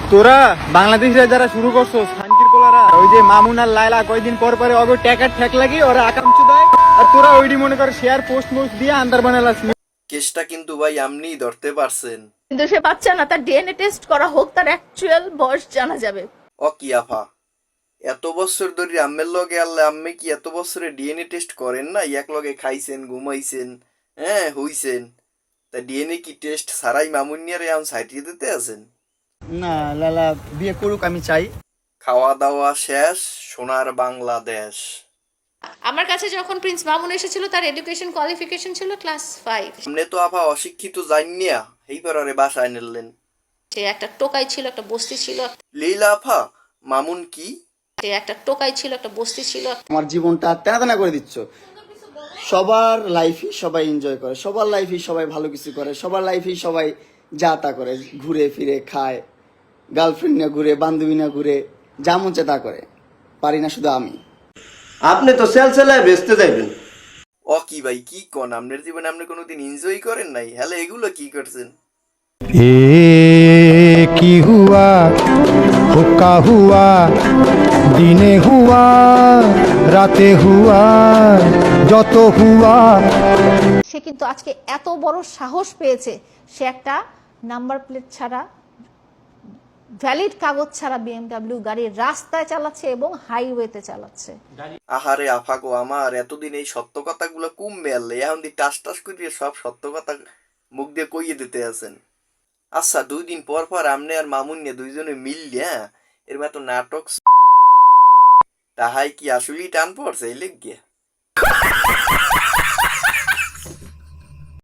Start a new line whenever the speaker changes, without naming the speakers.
তোরা বাংলাদেশে যারা শুরু করছো শান্তির পোলারা, ওই যে মামুন আর লায়লা কয়দিন পর পরে অগো ট্যাকার ঠেক লাগি ওরা আকাঙ্ক্ষা দেয়, আর তোরা ওইডি মনে করে শেয়ার পোস্ট মোস্ট দিয়ে আন্দার বানালাস।
কেসটা কিন্তু ভাই আপনিই ধরতে পারছেন।
কিন্তু সে বাচ্চা না, তার ডিএনএ টেস্ট করা হোক, তার অ্যাকচুয়াল বয়স জানা যাবে।
ও কি আফা, এত বছর ধরে আম্মের লগে আল্লাহ আম্মে কি এত বছরে ডিএনএ টেস্ট করেন না? এক লগে খাইছেন, ঘুমাইছেন, হ্যাঁ হইছেন, তা ডিএনএ কি টেস্ট সারাই মামুনিয়ারে এখন সাইটিয়ে দিতে আছেন?
না লালা বিয়ে করুক, আমি চাই।
খাওয়া দাওয়া শেষ, সোনার বাংলাদেশ।
আমার কাছে যখন প্রিন্স মামুন এসেছিল, তার এডুকেশন কোয়ালিফিকেশন ছিল ক্লাস 5।
সামনে তো আফা অশিক্ষিত জানিয়া এইবার ওরে বাসায় নিলেন।
সে একটা টোকাই ছিল, একটা বস্তি ছিল।
লীলা আফা, মামুন কি?
সে একটা টোকাই ছিল, একটা বস্তি ছিল।
আমার জীবনটা তেনা তেনা করে দিচ্ছ। সবার লাইফই সবাই এনজয় করে, সবার লাইফই সবাই ভালো কিছু করে, সবার লাইফই সবাই যা তা করে, ঘুরে ফিরে খায়, গার্লফ্রেন্ড নিয়ে ঘুরে, বান্ধবী নিয়ে ঘুরে, যা মন চায় তা করে। পারি না শুধু আমি।
আপনি তো সেল সেলায় বেচতে যাইবেন।
ও কি ভাই, কি কোন? আপনার জীবনে আপনি কোনোদিন এনজয় করেন নাই? হ্যালো, এগুলো কি করছেন?
ए की हुआ हुक्का हुआ दिने हुआ राते हुआ যত হুয়া।
সে কিন্তু আজকে এত বড় সাহস পেয়েছে, সে একটা নাম্বার প্লেট ছাড়া, ভ্যালিড কাগজ ছাড়া বিএমডব্লিউ গাড়ি রাস্তায় চালাচ্ছে এবং হাইওয়েতে চালাচ্ছে।
আহারে আফা গো আমার, এতদিন এই সত্য কথাগুলো কমবে আনলে, এখন দি টাস টাস করিয়ে সব সত্য কথা মুখ দিয়ে কইয়ে দিতে আছেন। আচ্ছা, 2 দিন পর পর আমনে আর মামুন নিয়ে দুইজনে মিললে, হ্যাঁ এর মতো নাটক তাহাই কি আসলেই টান পড়ছে এই লেগে?